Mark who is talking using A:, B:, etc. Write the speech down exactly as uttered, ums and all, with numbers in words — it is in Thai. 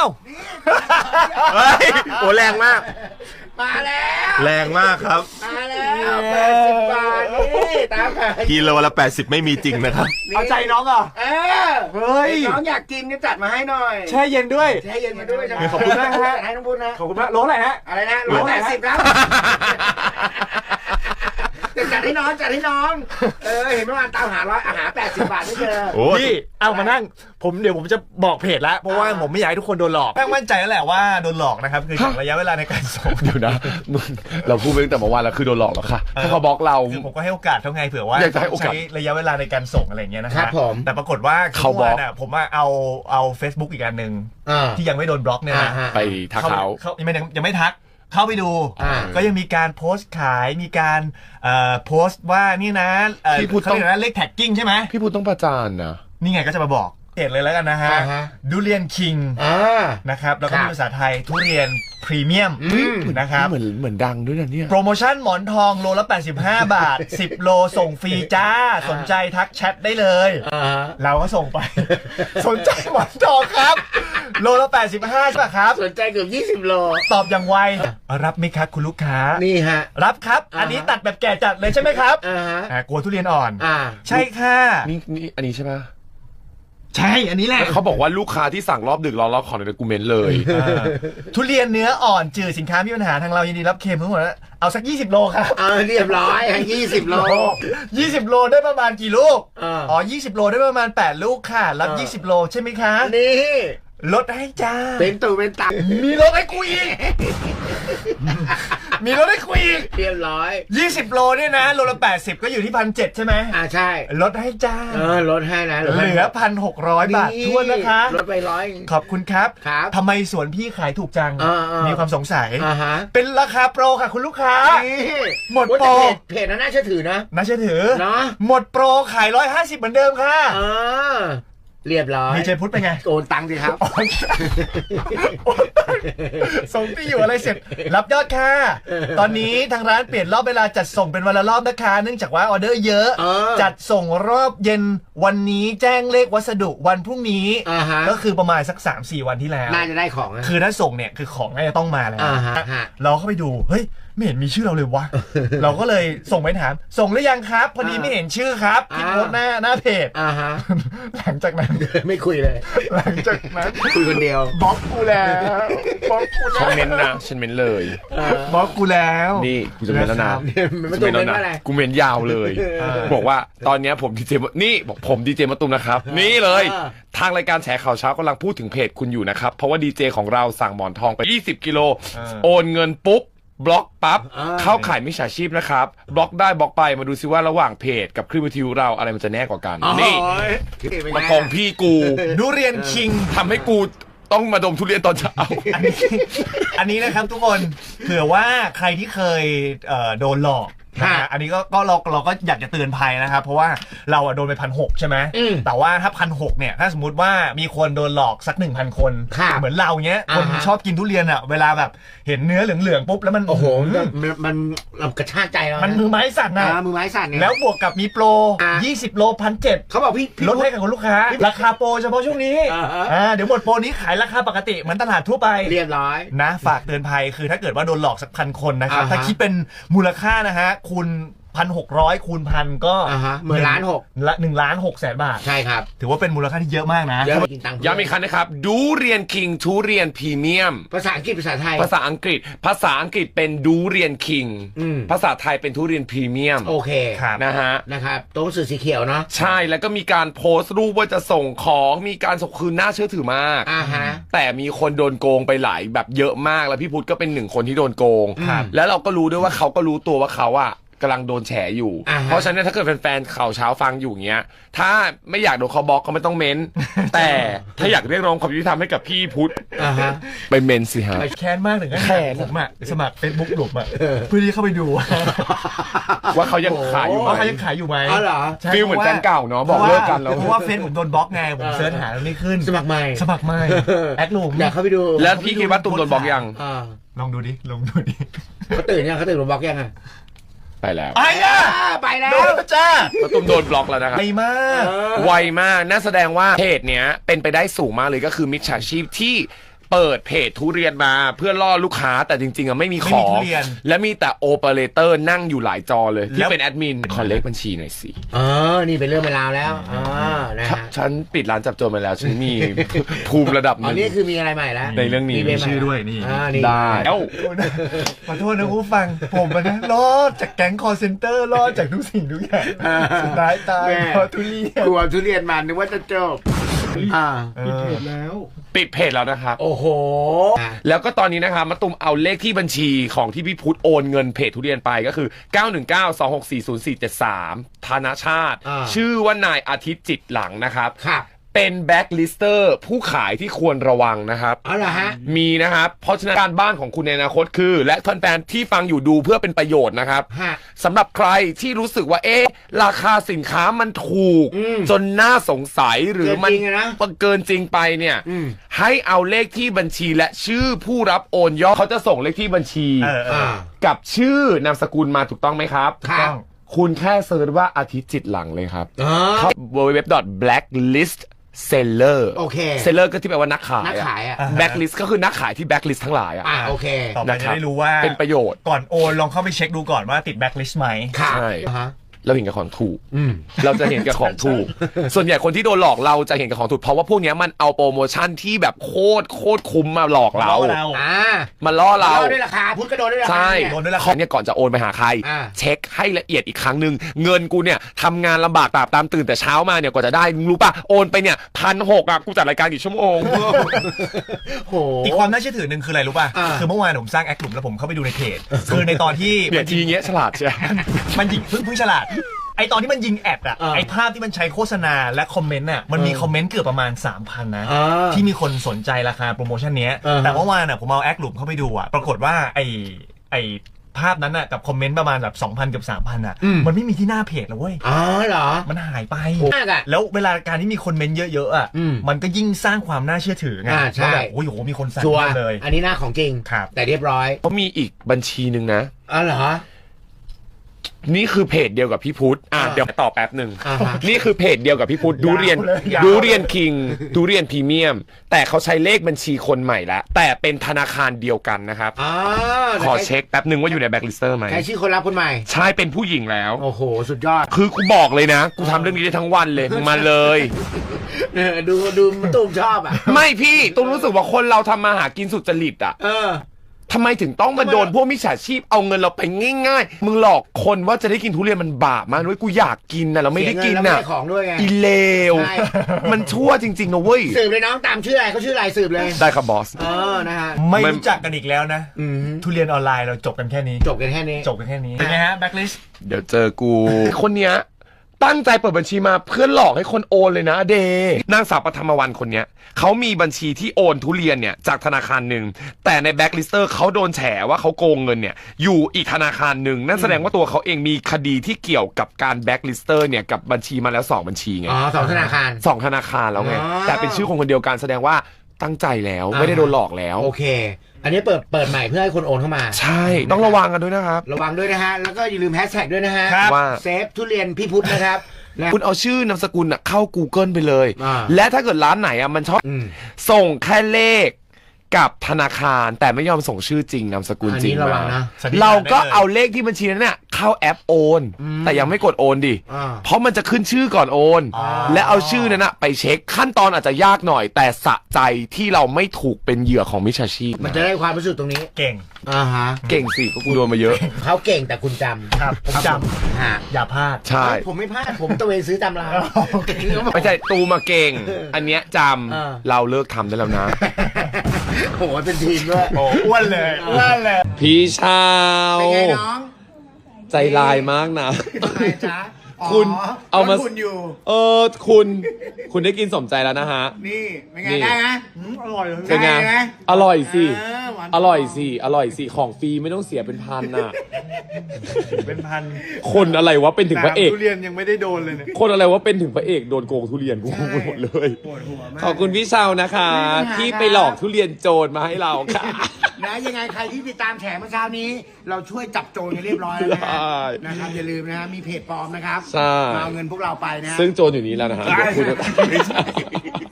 A: าวเฮ้ยโอ้แรงมาก
B: มาแล้ว
A: แรงมากครับ
B: มาแล้วแปดสิบบาทนี่ตามไป
A: กิโลละแปดสิบไม่มีจริงนะครับ
C: เอาใจน้องเหรอ
B: เออเฮ้ยน้องอยากกินก็จัดมาให้หน่อย
C: แช่เย็นด้วย
B: แช่เย็นมาด้วย
C: ขอบคุณมากฮะ
B: ให้น้องบุญนะ
C: ขอบคุณมากโลอะไรฮะ
B: อะไรนะร้อยแปดสิบแล้วจัดให้น้องจัดให้น้องเออเห็นเมื่อวานตามหาร้อยอาหารแปดสิบบาทไม่เจอ
C: พี่เอามานั่งผมเดี๋ยวผมจะบอกเพจแล้วเพราะว่าผมไม่อยากให้ทุกคนโดนหลอกแม่งมั่นใจแล้วแหละว่าโดนหลอกนะครับคือระยะเวลาในการส่ง
D: อยู่นะเราพูดไปตั้งแต่เมื่อวานแล้วคือโดนหลอกแล้วค่ะถ้าเขาบล็อกเรา
C: คือผมก็ให้โอกาสเท่าไงเผื่อว่าใช้ระยะเวลาในการส่งอะไรเงี้ยนะครับแต่ปรากฏว่า
D: เขาบล็อก
C: ผมว่าเอาเอา Facebook อีกอันหนึ่งที่ยังไม่โดนบล็อกเนี่ย
D: ไปทักเขา
C: เขายังไม่ยังไม่ทักเข้าไปดูก็ยังมีการโพสต์ขายมีการโพสต์ว่านี่นะ
D: พี่พูดต้อง
C: เลขแท็กกิ้งใช่ไหม
D: พี่พูดต้องประจานนะ
C: นี่ไงก็จะมาบอกเห็นเลยแล้วกันนะฮะดูเรียนคิงนะครับแล้วก็มีภาษาไทยทุเรียนพรีเมียมนะครับ
D: เหมือนเหมือนดังด้วยนะเนี่ย
C: โปรโมชั่นหมอนทองโลละแปดสิบห้าบาทสิบโลส่งฟรีจ้าสนใจทักแชทได้เลยเราก็ส่งไปสนใจหมอนทองครับโลละแปดสิบห้าใช่ป่ะครับ
B: สนใจเกือบยี่สิบโล
C: ตอบอย่างไวรับไหมครับคุณลูกค้า
B: นี่ฮะ
C: รับครับอันนี้ตัดแบบแก่จัดเลยใช่ไหมครับอ่ากลัวทุเรียนอ่อนใช่ค่ะ
D: นี่นี่อันนี้ใช่ป่ะ
C: ใช่อันนี้แหละ
D: เขาบอกว่าลูกค้าที่สั่งรอบดึกรอรอบขอในกูเมนต์เลย
C: ทุเรียนเนื้ออ่อนจืดสินค้ามีปัญหาทางเรายินดีรับเคลมทั้งหมดแล้วเอาสักยี่สิบโลครับ
B: เออเรียบร้อยยี่สิบโล
C: ยี่สิบโลได้ประมาณกี่ลูกอ๋อยี่สิบโลได้ประมาณแปดลูกค่ะรับยี่สิบโลใช่ไหมคะ
B: นี่
C: ลดให้จ้า
B: เป็นตัวเป็นตับ
C: มีลดให้กูอีกมีลดให้กูอีก
B: เรียบร้อย
C: ยี่สิบโลเนี่ยนะโลละแปดสิบก็อยู่ที่พันเจ็ดใช่ไหม
B: อ่าใช่
C: ลดให้จ้า
B: เออลดให้นะ
C: เหลือพันหกร้อยบาททวนนะคะ
B: ลดไปร้อย
C: ขอบคุณครับ
B: ครับ
C: ทำไมสวนพี่ขายถูกจังมีความสงสัย
B: อ่าฮะ
C: เป็นราคาโปรค่ะคุณลูกค้าหมดโปร
B: เพจน่าเชื่อถือนะ
C: น่าเชื่อถือ
B: เนาะ
C: หมดโปรขายร้อยห้าสิบเหมือนเดิมค่ะ
B: เออเรียบร้อย
C: มีเจพุทธเป็นไง
B: โอนตังค์สิครับ
C: ส่งที่อยู่อะไรเสร็จรับยอดค่ะตอนนี้ทางร้านเปลี่ยนรอบเวลาจัดส่งเป็นวันละรอบนะคะเนื่องจากว่าออเดอร์เยอะจัดส่งรอบเย็นวันนี้แจ้งเลขวัสดุวันพรุ่งนี้ก็คือประมาณสัก สามสี่ วันที่แล้ว
B: น่าจะได้ของ
C: คือถ้าส่งเนี่ยคือของน่าจะต้องมาแล้วเราเข้าไปดูเฮ้ยไม่เห็นมีชื่อเราเลยวะเราก็เลยส่งไปถามส่งหรือยังครับพอดีไม่เห็นชื่อครับที่โพสหน้าหน้าเพจหลังจากนั้น
B: ไม่คุยเลย
C: หลังจากนั้น
B: คุยคนเดียว
C: บล็อกกูแล้วบล็อกกู
D: ฉันเม้นนะฉันเม้นเลย
C: บล็อกกูแล้ว
D: นี่กูจะเม้นแล้วนะ
B: ไม่ต้องเม้นอะไร
D: กูเม้นยาวเลยบอกว่าตอนนี้ผมดีเจนี่บอกผมดีเจมะตูมนะครับนี่เลยทางรายการแฉข่าวเช้ากำลังพูดถึงเพจคุณอยู่นะครับเพราะว่าดีเจของเราสั่งหมอนทองไปยี่สิบกิโลโอนเงินปุ๊บบล็อกปั๊บเข้าขายมิจฉาชีพนะครับบล็อกได้บล็อกไปมาดูซิว่าระหว่างเพจกับคลื่นวิทยุเราอะไรมันจะแน่กว่ากันนี่มาโกงพี่กู
C: ดูเรียนคิง
D: ทำให้กูต้องมาดมทุเรียนตอนเช้า
C: อันนี้อันนี้นะครับทุกคนเผื่อว่าใครที่เคยโดนหลอกนะอันนี้ก็ก็เราเราก็อยากจะเตือนภัยนะครับเพราะว่าเราอะโดนไปพันหกใช่ไหมแต่ว่าถ้าพันหกเนี่ยถ้าสมมติว่ามีคนโดนหลอกสักหนึ่งพันคนเหมือนเราเนี้ยคนชอบกินทุเรียนอะเวลาแบบเห็นเนื้อเหลืองๆปุ๊บแล้วมัน
B: โอ้โหมันมันกระชากใจเรา
C: มันมือไม้สั่นนะ
B: มือไม้สั่น
C: แล้วบวกกับมีโปรยี่สิบโลพันเจ็ด
B: เขาบอกพี่
C: ลดให้กับคนลูกค้าราคาโปรเฉพาะช่วงนี้อ่าเดี๋ยวหมดโปรนี้ขายราคาปกติเหมือนตลาดทั่วไป
B: เรียบร้อย
C: นะฝากเตือนภัยคือถ้าเกิดว่าโดนหลอกสักพันคนนะครับถ้าคิดเป็นมูลค่านะฮะคุณพันหกร้อยคูณพันก็
B: หมื่นล้านหก
C: ละหนึ่งล้านหกแสนบาท
B: ใช่ครับ
C: ถือว่าเป็นมูลค่าที่เยอะมากนะ
D: ย้ำอีกครั้งนะครับดูเรียนคิงทุเรียนพรีเมียม
B: ภาษาอังกฤษภาษาไทย
D: ภาษาอังกฤษภาษาอังกฤษเป็นดูเรียนคิงภาษาไทยเป็นทุเรียนพรีเมียม
B: โอเค
D: นะฮะ
B: นะครับตัวหนังสือสีเขียวเนาะ
D: ใช่แล้วก็มีการโพสต์รูปว่าจะส่งของมีการส่งคืนน่าเชื่อถือมากแต่มีคนโดนโกงไปหลายแบบเยอะมากแล้วพี่พุทธก็เป็นหนึ่งคนที่โดนโกงแล้วเราก็รู้ด้วยว่าเขาก็รู้ตัวว่าเขาอะกำลังโดนแฉอยู่เพราะฉะนั้นถ้าเกิดแฟนๆข่าวเช้าฟังอยู่เงี้ยถ้าไม่อยากโดนเขาบล็อกก็ไม่ต้องเม้นแต่ถ้าอยากเรียกร้องความยุติธรรมให้กับพี่พุทธไปเม้นสิฮะ
C: แค้นมากถึงแค้นผมอะสมัครเฟซบุ๊กหลุมอะเพื่อที่เข้าไปดู
D: ว่าเขายังขายอยู่
C: ว่าเขายังขายอยู่ไหม
B: อ๋อเหรอ
D: ฟีลเหมือนแฟนเก่าเนาะบอกเลิกกันแล้ว
C: เพราะว่าเฟซผมโดนบล็อกไงผมเสิร์ชหาแล้วไม่ขึ้น
B: สมัครใหม่
C: สมัครใหม่แอดหลุม
B: อยากเข้าไปดู
D: แล้วพี่คิดว่าตุ้มโดนบล็อกยัง
C: ลองดูดิลองดูดิ
B: เขาตื่นยังเขาตื่นโดนบล็อกยังไง
D: ไปแล้ว
C: ไปแล้ว
B: ไปแล้ว
C: โดนจ้า
D: ประตูโดนบล็อกแล้วนะครับ
C: ไวมาก
D: ไวมากน่าแสดงว่าเพจเนี้ยเป็นไปได้สูงมากเลยก็คือมิจฉาชีพที่เปิดเพจทุเรียนมาเพื่อล่อลูกค้าแต่จริงๆอ่ะไม่มีของ และมีแต่โอเปอเรเตอร์นั่งอยู่หลายจอเลยที่เป็นแอดมินขอเลขบัญชีหน่อยสิ
B: เออนี่เป็นเรื่องเป็นราวแล้วอ๋อนะ
D: ครับ
B: ฮะ
D: ฉันปิดร้านจับโจรมาแล้วฉันมี ภูมิระดับห
B: อ๋อ
D: นึ่ง
B: นี่คือมีอะไรใหม่แล้ว
D: ในเรื่องนี้
B: มี
C: ชื่อด้วยนี่
B: อ่านี่
D: ได้เอ้า
C: ขอโทษนะผู้ฟังผมอะนะรอดจากแก๊งคอร์เซนเตอร์รอดจากทุกสิ่งทุกอย่างสุดท้ายตาย
B: แม่
C: เพราะทุเรียน
B: กลัวทุเรียนมันนึกว่าจะจบอ่า
C: ปิดเพจแล้ว
D: ปิดเพจแล้วนะครับ
B: โอ้โห
D: แล้วก็ตอนนี้นะครับมาตุมเอาเลขที่บัญชีของที่พี่พุทธโอนเงินเพจทุเรียนไปก็คือ เก้าหนึ่งเก้า สองหกสี่ ศูนย์สี่เจ็ดสาม ธนชาติ
B: อ่า
D: ชื่อว่านายอาทิตย์จิตหลังนะครับ
B: ครับ
D: เป็นแบ็คลิสเตอร์ผู้ขายที่ควรระวังนะครับ
B: อ๋อเหรอฮะ
D: มีนะครับ เพราะฉะนั้นการบ้านของคุณในอนาคตคือ และแฟนๆที่ฟังอยู่ดูเพื่อเป็นประโยชน์นะครับ
B: ฮะ
D: สำหรับใครที่รู้สึกว่าเอ๊ะราคาสินค้ามันถูก
B: อืม
D: จนน่าสงสัยหรือมัน
B: เกินจริงอะนะ
D: เกินจริงไปเนี่ย
B: อืม
D: ให้เอาเลขที่บัญชีและชื่อผู้รับโอนยอดเขาจะส่งเลขที่บัญชี
C: เออเอ
B: อ่า
C: อ
D: กับชื่อนามสกุลมาถูกต้องไหมครับ
B: ครับ
D: คุณแค่เซิร์ชว่าอาทิตย์จิตหลังเลยครับ
B: อ๋อ
D: เข้า ดับเบิลยู ดับเบิลยู ดับเบิลยู ดอท แบล็คลิสต์ เซลเลอร์
B: โอเค
D: เซลเลอร์ก็ที่แปลว่านักขาย
B: นักขายอะ
D: แบ็คลิสต์ก็คือนักขายที่แบ็คลิสต์ทั้งหลายอะ
B: อ่าโอเค
C: ต่อไป
D: นะค
C: จะ
D: รับ
C: ได้รู้ว่า
D: เป็นประโยชน์
C: ก่อนโอนลองเข้าไปเช็คดูก่อนว่าติดแบ็คลิสต์ไหม
B: ครับ
D: ใช่
B: อ่าฮะ
D: เราเห็นกับของถูก
B: อืม
D: เราจะเห็นกับของถูก ส่วนใหญ่คนที่โดนหลอกเราจะเห็นกับของถูก เพราะว่าพวกเนี้ยมันเอาโปรโมชั่นที่แบบโคตรโคตรคุ้มมาหลอกเรา
C: ล่อเรา
B: อ่า
D: มาล่อเรา
B: โดนด้วยราคาพุทธก็โดนด้วยราคา
D: ใช่
B: เนี่ย
C: โดนด้วยราคา
D: ของเนี่ยก่อนจะโอนไปหาใคร
B: อ่า
D: เช็คให้ละเอียดอีกครั้งหนึ่งเงินกูเนี่ยทำงานลำบากตามตามตื่นแต่เช้ามาเนี่ยกว่าจะได้มึงรู้ป่ะโอนไปเนี่ยพันหกอ่ะกูจัดรายการกี่ชั่วโมง
B: โห
C: อีกความน่าเชื่อถือหนึ่งคืออะไรรู้ป่ะ
B: อ่า
C: คือเมื่อวานผมสร้างแอคกลุ่มแล้วผมเข้าไปดูในเพจ คือในตอนที่
D: เนี่ยทีเงี้ยฉลาดใช่
C: มันยิงเพิ่งเพิ่งฉลาด ไอตอนที่มันยิงแอดอะ
B: อ่า
C: ไอภาพที่มันใช้โฆษณาและคอมเมนต์อะมันมี
B: เออ
C: คอมเมนต์เกือบประมาณ สามพัน นะ
B: อ่า
C: ที่มีคนสนใจราคาโปรโมชั่นเนี้ย
B: อ่าฮะ
C: แต่เมื่อวานอะผมเอาแอคกลุ่มเข้าไปดูอะปรากฏว่าไอไอภาพนั้นอะกับคอมเมนต์ประมาณแบบ สองพัน กับ สามพัน อะมันไม่มีที่หน้าเพจแล้วเว้ย
B: อ๋อเหรอ
C: มันหายไป
B: มากอะ
C: แล้วเวลาการที่มีคนเมนต์เยอะๆอะ
B: อืม
C: มันก็ยิ่งสร้างความน่าเชื่อถือไง
B: อ่าใช่
C: ว่าแบบโอ้ยโหมีคนสั่ง
B: ชัวร์
C: เลย
B: อันนี้หน้าของจริง
C: ครับ
B: แต่เรียบร้อย
D: เขามีอีกบัญชีหนึ่งนะ
B: อ๋อเหรอ
D: นี่คือเพจเดียวกับพี่พุทธอ่ะ
B: อ่า
D: เดี๋ยวตอบแป๊บหนึ่ง
B: อ่าฮะ
D: นี่คือเพจเดียวกับพี่พุทธดูเรียน
C: เลยยาว
D: ดูเรียนคิงดูเรียนพรีเมียม แต่เขาใช้เลขบัญชีคนใหม่แล้ว แต่เป็นธนาคารเดียวกันนะครับ
B: อ๋อ
D: ขอเช็คแป๊บหนึ่งว่าอยู่ในแบ็คลิสเตอร์ไหม
B: ใครชื่อคนรับคนใหม่
D: ใช่เป็นผู้หญิงแล้ว
B: โอ้โห สุดยอด
D: คือกูบอกเลยนะ กูทำเรื่องนี้ได้ทั้งวันเลยมึงมาเลย
B: เออดูดูมันตุ้มชอบอ่ะ
D: ไม่พี่ตุ้มรู้สึกว่าคนเราทำมาหากินสุจริตอ่ะ
B: เออ
D: ทำไมถึงต้องมาโดนพวกมิจฉาชีพเอาเงินเราไปง่ายๆ มึงหลอกคนว่าจะได้กินทุเรียนมันบาปมากด้วยกูอยากกินนะเราไม่ได้กิน
B: เสียเงินแล้ว
D: น่ะ
B: ไม่ได้ของด้วยไง
D: อีเลว
B: ใช่
D: มันชั่วจริงๆนะเว้ย
B: สืบเลยน้องตามชื่ออะไรเขาชื่ออะไรสืบเลย
D: ได้ครับบอส
B: เออ นะฮะ
C: ไม่
D: ไม่
C: รู้จักกันอีกแล้วนะ
B: อืม
C: ทุเรียนออนไลน์เราจบกันแค่นี้
B: จบกันแค่นี้
C: จบกันแค่นี้เป็นไงฮะแบ็คลิสต์
D: เดี๋ยวเจอกู คนเนี้ยตั้งใจเปิดบัญชีมาเพื่อหลอกให้คนโอนเลยนะเดนางสาวปฐมวรรณคนเนี้ยเขามีบัญชีที่โอนทุเรียนเนี่ยจากธนาคารหนึ่งแต่ในแบ็คลิสเตอร์เขาโดนแฉว่าเขาโกงเงินเนี่ยอยู่อีกธนาคารหนึ่งนั่นแสดงว่าตัวเขาเองมีคดีที่เกี่ยวกับการแบ็คลิสเตอร์เนี่ยกับบัญชีมาแล้วสองบัญชีไง
B: อ๋อสองธนาคาร
D: สองธนาคารแล้วไง
B: อ๋อ
D: แต่เป็นชื่อคนคนเดียวกันแสดงว่าตั้งใจแล้วไม่ได้โดนหลอกแล้ว
B: โอเค อันนี้เปิดเปิดใหม่เพื่อให้คนโอนเข้ามา
D: ใช่ต้องระวังกันด้วยนะครับ
B: ระวังด้วยนะฮะ แล้วก็อย่าลืมแฮชแท็กด้วยนะฮะ
C: ครับ
D: ว่า
B: เซฟทุเรียนพี่พุทธนะครับนะ
D: คุณเอาชื่อนามสกุลน่ะเข้า Google ไปเลย
B: อ่า
D: และถ้าเกิดร้านไหนอ่ะมันชอบ
B: อืม
D: ส่งแค่เลขกับธนาคารแต่ไม่ยอมส่งชื่อจริงนามสกุล
B: อัน
D: จริ
B: นี้
D: ง
B: ระวั
D: มาง
B: นะ
C: สันนิษฐาน
D: เราก็
C: ได้เลย
D: เอาเลขที่บัญชีนั้นเนี่ยเข้าแอปโอน
B: อืม
D: แต่ยังไม่กดโอนดิ
B: อ่า
D: เพราะมันจะขึ้นชื่อก่อนโอน
C: อ๋อ
D: และเอาชื่อนั้นนะไปเช็คขั้นตอนอาจจะยากหน่อย แต่สะใจที่เราไม่ถูกเป็นเหยื่อของมิจฉาชีพ
B: มันจะได้ความรู้สึกตรงนี้
C: เก่ง
B: อ่าฮะ
D: เก่งสิก็กูโดนมาเยอะ
B: เขาเก่งแต่คุณจำ
C: ครับผมจ
B: ฮะ
C: ำอย่าพลาด
D: ใช่
B: เฮ้ยผมไม่พลาด ผมตะเวนซื้อตามร้าน
D: ไม่ใช่ตูมาเก่ง อันเนี้ยจ
B: อ่า
D: ำเราเลิกทำได้แล้วนะ
B: โอ้โหเป็นทีมด้วย
C: โอ้อ้วนเลยอ้วนเลย
D: พี่ชาว
B: เป็นไงน้อง
D: ใจลายมากนะ
B: อะไรจ๊ะอ๋อ
D: คุณเอามา
B: รถคุณอยู่
D: เออคุณ คุณได้กินสมใจแล้วนะฮะ
B: นี่เป็นไง
D: นี่
B: ได้ไหม
C: อร่อยเลย
D: เป็นไง
B: ได้ไหม
D: อร่อยสิ
B: เออหวาน
D: อร่อยสิ อร่อยสิ ของฟรีไม่ต้องเสียเป็นพันน่ะ
C: เป็นพัน
D: คนอะไรวะเป็นถึงพระเอก
C: ทุเรียนยังไม่ได้โดนเลยเนี่ย
D: คนอะไรวะเป็นถึงพระเอกโดนโกงทุเรียนกูงงไปหมดเลย
C: ปวดหัวมาก
D: ขอบคุณพี่ชาวนะคะ ที่ไปหลอกทุเรียนโจรมาให้เราค่ะ
B: นะยังไงใครที่ติดตามแฉเมื่อเช้านี้ เราช่วยจับโจรกันเรียบร้อยแล้วนะ
D: ใช่
B: นะครับอย่าลืมนะฮะมีเพจปลอมนะครับ
D: ใช่
B: มาเอาเงินพวกเราไปนะฮะ
D: ซึ่งโจรอยู่นี้แล้วนะฮะเดี๋ยวคุณไม่ใช่